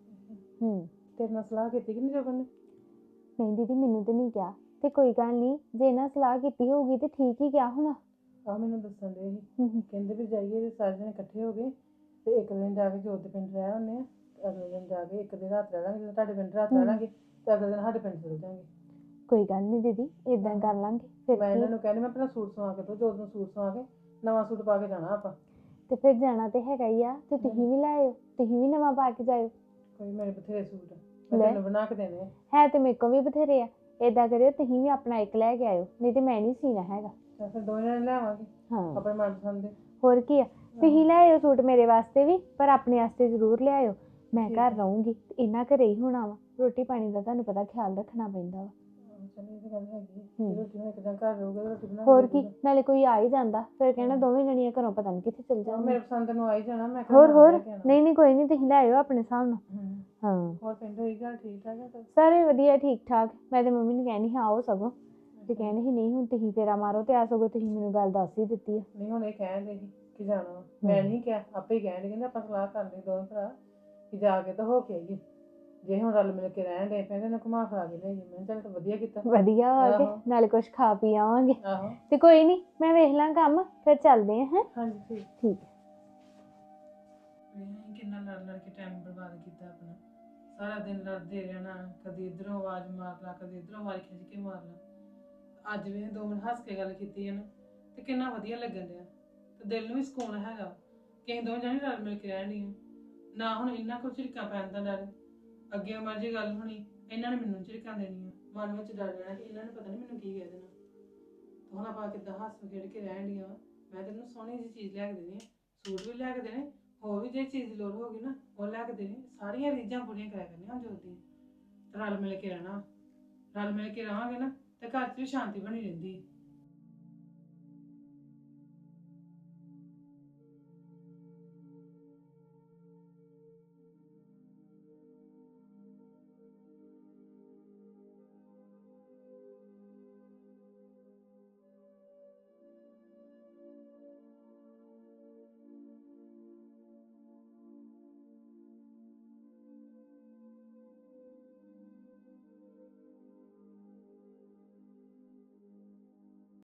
[SPEAKER 1] ਤੇਰੇ ਨਾਲ ਸਲਾਹ ਕੀਤੀ ਕਿ ਨਹੀਂ ਜੋਬਨ ਨੇ? ਨਹੀਂ ਦੀਦੀ, ਮੈਨੂੰ ਤੇ ਨਹੀਂ ਕਿਹਾ, ਤੇ ਕੋਈ ਗੱਲ ਨਹੀਂ, ਜੇ ਇਹਨਾਂ ਸਲਾਹ ਕੀਤੀ ਹੋਊਗੀ ਤੇ ਠੀਕ ਹੀ ਕਿਹਾ ਹੋਣਾ। ਆਹ ਮੈਨੂੰ ਦੱਸਣ ਦੇ ਸੀ, ਕਹਿੰਦੇ ਵੀ ਜਾਈਏ ਜੇ ਸਾਰੇ ਜਣੇ ਇਕੱਠੇ ਹੋ ਗਏ ਤੇ ਇੱਕ ਦਿਨ ਜਾ ਕੇ ਜੋਤ ਦੇ ਪਿੰਡ ਰਹਿ ਆਉਂਦੇ ਆ, ਅਗਲੇ ਦਿਨ ਜਾ ਕੇ ਇੱਕ ਦਿਨ ਰਾਤ ਰਹਿ ਲਾਂਗੇ, ਜਦੋਂ ਤੁਹਾਡੇ ਪਿੰਡ ਰਾਤ ਰਹਿ ਲਾਂਗੇ ਤੇ ਅਗਲੇ ਦਿਨ ਸਾਡੇ ਪਿੰਡ ਚਲ ਜਾਵਾਂਗੇ। ਕੋਈ ਗੱਲ ਨਹੀਂ ਦੀਦੀ, ਏਦਾਂ ਕਰ ਲਾਂਗੇ। ਫਿਰ ਮੈਂ ਇਹਨਾਂ ਨੂੰ ਕਹਿੰਦੀ, ਮੈਂ ਪਹਿਲਾਂ ਸੂਟ ਸਵਾ ਕੇ ਦੋ, ਜੋਤ ਨੂੰ ਸੂਟ ਸਵਾ ਕੇ ਨਵਾਂ ਸੂਟ ਪਾ ਕੇ ਜਾਣਾ ਆਪਾਂ। ਤੇ ਫਿਰ ਜਾਣਾ ਤੇ ਹੈਗਾ ਹੀ ਆ, ਤੇ ਤੁਸੀਂ ਵੀ ਲੈ ਆਇਓ, ਤੁਸੀਂ ਵੀ ਨਵਾਂ ਪਾ ਕੇ ਜਾਇਓ। ਕੋਈ ਮੇਰੇ ਬਥੇਰੇ ਸੂਟ ਮੈਂ ਤੈਨੂੰ ਬਣਾ ਕੇ ਦੇਣੇ ਹੈ ਤੇ ਮੇਰੇ ਕੋਲ ਵੀ ਬਥੇਰੇ ਆ।
[SPEAKER 2] ਏਦਾਂ ਕਰਿਓ ਤੁਸੀਂ ਵੀ ਆਪਣਾ ਇੱਕ ਲੈ ਕੇ ਆਇਓ, ਨਹੀਂ ਤੇ ਮੈਂ ਨਹੀਂ ਸੀਣਾ ਹੈਗਾ।
[SPEAKER 1] ਤਾਂ ਫਿਰ ਦੋਵੇਂ ਜਣੇ ਲਿਆਵਾਂਗੇ
[SPEAKER 2] ਹਾਂ
[SPEAKER 1] ਆਪਣੇ ਮਨਪਸੰਦ ਦੇ।
[SPEAKER 2] ਹੋਰ ਕੀ ਆ, ਤੁਸੀਂ ਲੈ ਆਇਓ ਸੂਟ ਮੇਰੇ ਵਾਸਤੇ ਵੀ, ਪਰ ਆਪਣੇ ਵਾਸਤੇ ਜ਼ਰੂਰ ਲਿਆਇਓ। ਮੈਂ ਘਰ ਰਹੂੰਗੀ ਤੇ ਇਹਨਾਂ ਘਰੇ ਹੀ ਹੋਣਾ ਵਾ, ਰੋਟੀ ਪਾਣੀ ਦਾ ਤੁਹਾਨੂੰ ਪਤਾ ਖਿਆਲ ਰੱਖਣਾ ਪੈਂਦਾ ਵਾ।
[SPEAKER 1] ਚਲੋ ਇਹ ਤਾਂ ਗੱਲ ਹੈਗੀ ਹੈ। ਰੋਟੀ ਹੁਣ ਇੱਕ ਦਿਨ ਘਰ ਰਹੂਗਾ ਰੋਟੀ ਬਣਾ
[SPEAKER 2] ਹੋਰ ਕੀ, ਨਾਲੇ ਕੋਈ ਆ ਹੀ ਜਾਂਦਾ ਫਿਰ ਕਹਿਣਾ ਦੋਵੇਂ ਜਣੀਆਂ ਘਰੋਂ ਪਤਾ ਨਹੀਂ ਕਿੱਥੇ ਚਲ ਜਾਂਦੇ।
[SPEAKER 1] ਮੇਰੇ ਪਸੰਦ ਨੂੰ ਆ ਹੀ ਜਾਣਾ, ਮੈਂ
[SPEAKER 2] ਹੋਰ
[SPEAKER 1] ਕਿਹਾ
[SPEAKER 2] ਹੋਰ
[SPEAKER 1] ਲੈ ਕੇ ਆਉਣਾ।
[SPEAKER 2] ਨਹੀਂ ਕੋਈ ਨਹੀਂ, ਤੁਸੀਂ ਲੈ ਆਇਓ ਆਪਣੇ ਹਿਸਾਬ ਨਾਲ। ਹਾਂ
[SPEAKER 1] ਹੋਰ ਪਿੰਡ ਹੋਈ ਗੱਲ ਠੀਕ ਠਾਕ ਹੈ ਤਾਂ?
[SPEAKER 2] ਸਾਰੇ ਵਧੀਆ ਠੀਕ ਠਾਕ। ਮੈਂ ਤੇ ਮੰਮੀ ਨੂੰ ਕਹਿਣੀ ਹਾਂ ਆਓ ਸਗੋਂ, ਤੇ ਕਹਿਣੀ ਸੀ ਨਹੀਂ ਹੁਣ ਤੁਸੀਂ ਫੇਰਾ ਮਾਰੋ, ਤੇ ਆ ਸਗੋਂ ਤੁਸੀਂ ਮੈਨੂੰ ਗੱਲ ਦੱਸ ਹੀ ਦਿੱਤੀ ਆ।
[SPEAKER 1] ਨਹੀਂ ਹੁਣ ਇਹ ਕਹਿਣ ਦੇ ਸੀ ਕਿ ਜਾਣਾ ਵਾ। ਮੈਂ ਨਹੀਂ ਕਿਹਾ, ਆਪੇ ਹੀ ਕਹਿਣ ਦੇ, ਕਹਿੰਦੇ ਆਪਾਂ ਸਲਾਹ ਕਰ ਲਈ ਦੋਵੇਂ ਭਰਾ ਕਿ ਜਾ ਕੇ ਤਾਂ ਹੋ ਕੇ ਆਈਏ। ਜੇ ਹੁਣ ਰਲ ਮਿਲ ਕੇ ਰਹਿਣ ਦੇ ਪਏ ਨਾ ਘੁਮਾ ਫਿਰਾ ਕੇ ਲਿਆਈਏ। ਮੈਂ ਕਿਹਾ ਚੱਲ ਤਾਂ ਵਧੀਆ ਕੀਤਾ।
[SPEAKER 2] ਵਧੀਆ ਆ ਕੇ ਨਾਲੇ ਕੁਝ ਖਾ ਪੀ ਆਵਾਂਗੇ।
[SPEAKER 1] ਆਹੋ
[SPEAKER 2] ਤੇ ਕੋਈ ਨਹੀਂ ਮੈਂ ਵੇਖ ਲਾਂ ਕੰਮ, ਫਿਰ ਚੱਲਦੇ ਆ। ਹੈ
[SPEAKER 1] ਹਾਂਜੀ ਠੀਕ।
[SPEAKER 2] ਠੀਕ ਹੈ।
[SPEAKER 1] ਮੈਂ ਕਿੰਨਾ ਲੜ ਲੜ ਕੇ ਟਾਈਮ ਬਰਬਾਦ ਕੀਤਾ ਆਪਣਾ, ਸਾਰਾ ਦਿਨ ਲੜਦੇ ਰਹਿਣਾ, ਕਦੀ ਇੱਧਰੋਂ ਆਵਾਜ਼ ਮਾਰ ਲਾ, ਕਦੀ ਇੱਧਰੋਂ ਆਵਾਜ਼ ਖਿੱਚ ਕੇ ਮਾਰ ਲਾ। ਅੱਜ ਵੀ 2 ਮਿੰਟ ਹੱਸ ਕੇ ਗੱਲ ਕੀਤੀ ਹੈ ਨਾ, ਤੇ ਕਿੰਨਾ ਵਧੀਆ ਲੱਗਣ ਡਿਆ, ਤੇ ਦਿਲ ਨੂੰ ਵੀ ਸਕੂਨ ਹੈਗਾ ਕਿ ਅਸੀਂ ਦੋਵੇਂ ਜਾਣੇ ਰਲ ਮਿਲ ਕੇ ਰਹਿਣੀਆਂ ਨਾ। ਹੁਣ ਇਹਨਾਂ ਕੋਲ ਝਿੜਕਾਂ ਪੈਣ ਦਾ ਡਰ, ਅੱਗੇ ਮਰਜੀ ਗੱਲ ਹੋਣੀ ਇਹਨਾਂ ਨੇ ਮੈਨੂੰ ਝਿੜਕਾਂ ਦੇਣੀਆਂ, ਮਨ ਵਿੱਚ ਡਰ ਰਹਿਣਾ ਕਿ ਇਹਨਾਂ ਨੇ ਪਤਾ ਨਹੀਂ ਮੈਨੂੰ ਕੀ ਕਹਿ ਦੇਣਾ। ਤੇ ਹੁਣ ਆਪਾਂ ਕਿੱਦਾਂ ਹੱਸ ਖੇਡ ਕੇ ਰਹਿਣ ਡੀਆਂ। ਮੈਂ ਤੈਨੂੰ ਸੋਹਣੀ ਜਿਹੀ ਚੀਜ਼ ਲਿਆ ਕੇ ਦੇਣੀ, ਸੂਟ ਵੀ ਲਿਆ ਕੇ ਦੇਣੇ, ਹੋਰ ਵੀ ਜੇ ਚੀਜ਼ ਦੀ ਲੋੜ ਹੋਗੀ ਨਾ ਉਹ ਲੈ ਕੇ ਦੇਣੀ। ਸਾਰੀਆਂ ਰੀਝਾਂ ਪੂਰੀਆਂ ਕਰਿਆ ਕਰਨੀਆਂ ਹੁਣ ਜੋਦੀ। ਰਲ ਮਿਲ ਕੇ ਰਹਿਣਾ, ਰਲ ਮਿਲ ਕੇ ਰਹਾਂਗੇ ਨਾ ਤੇ ਘਰ 'ਚ ਵੀ ਸ਼ਾਂਤੀ ਬਣੀ ਰਹਿੰਦੀ ਹੈ।